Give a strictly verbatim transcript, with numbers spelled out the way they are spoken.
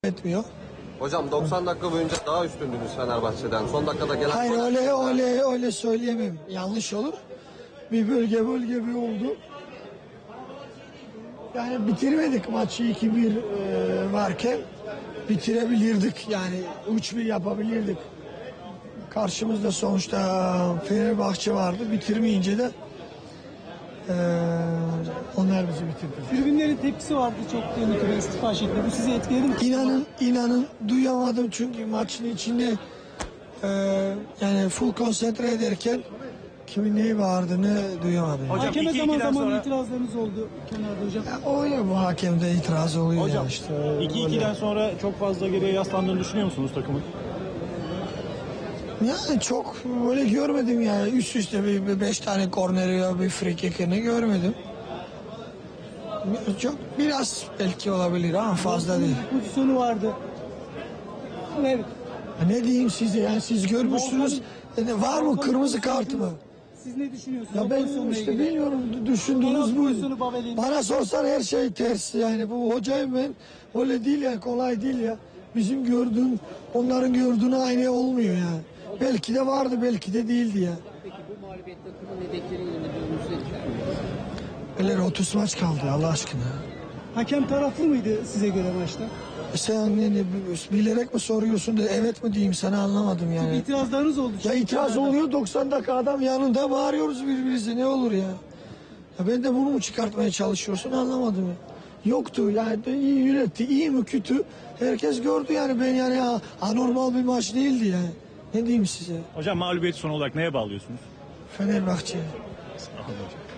etmiyor. Hocam doksan dakika boyunca daha üstündünüz Fenerbahçe'den. Son dakikada gelen... Hayır öyle öyle öyle söyleyemem. Yanlış olur. Bir bölge bölge bir oldu. Yani bitirmedik maçı iki bir e, varken bitirebilirdik. Yani üç bir yapabilirdik. Karşımızda sonuçta Fenerbahçe vardı. Bitirmeyince de e, onlar bizi bitirdi. Tribünlerin tepkisi vardı çok yönetime istifa şeklinde. Bu sizi etkiledi mi? İnanın inanın duyamadım çünkü maçın içinde e, yani full konsantre ederken kimin neyi bağırdığını duyamadım. Hocam, Hakeme iki zaman ikiden zaman sonra- itirazlarınız oldu kenarda hocam. Ya, o ya bu hakemde itiraz oluyor Hocam ya işte. iki öyle. ikiden sonra çok fazla geriye yaslandığını düşünüyor musunuz takımın? Yani çok öyle görmedim yani. Üst üste bir, bir beş tane korneri ya bir free kick'ini görmedim. Çok biraz belki olabilir ama fazla değil. Bir pozisyonu vardı. Evet. Ya ne diyeyim size yani siz görmüşsünüz. Yani var mı kırmızı kart mı? Siz ne düşünüyorsunuz? Ya o ben pozisyonla işte ilgili? bilmiyorum düşündüğünüz Penaltı bu. pozisyonu Babel'in. Bana sorsan her şey ters yani bu hocayım ben öyle değil ya kolay değil ya. Bizim gördüğün onların gördüğüne aynı olmuyor ya. Belki de vardı belki de değildi ya. Peki bu mağlubiyet takımın hedefleri yönünde bir olumsuz etkiler mi? Öyle otuz maç kaldı Allah aşkına. Hakem taraflı mıydı size göre maçta? E Sen ne, bilerek mi soruyorsun da evet mi diyeyim sana anlamadım yani. İtirazlarınız oldu. Ya çünkü itiraz kenarda. oluyor doksan dakika adam yanında bağırıyoruz birbirimize ne olur ya. Ya ben de bunu mu çıkartmaya çalışıyorsun anlamadım ya. Yoktu yani de iyi yönetti iyi mi kötü herkes gördü yani ben yani ha, anormal bir maç değildi yani. Ne diyeyim size Hocam mağlubiyeti son olarak neye bağlıyorsunuz? Fenerbahçe. Sağ olun hocam.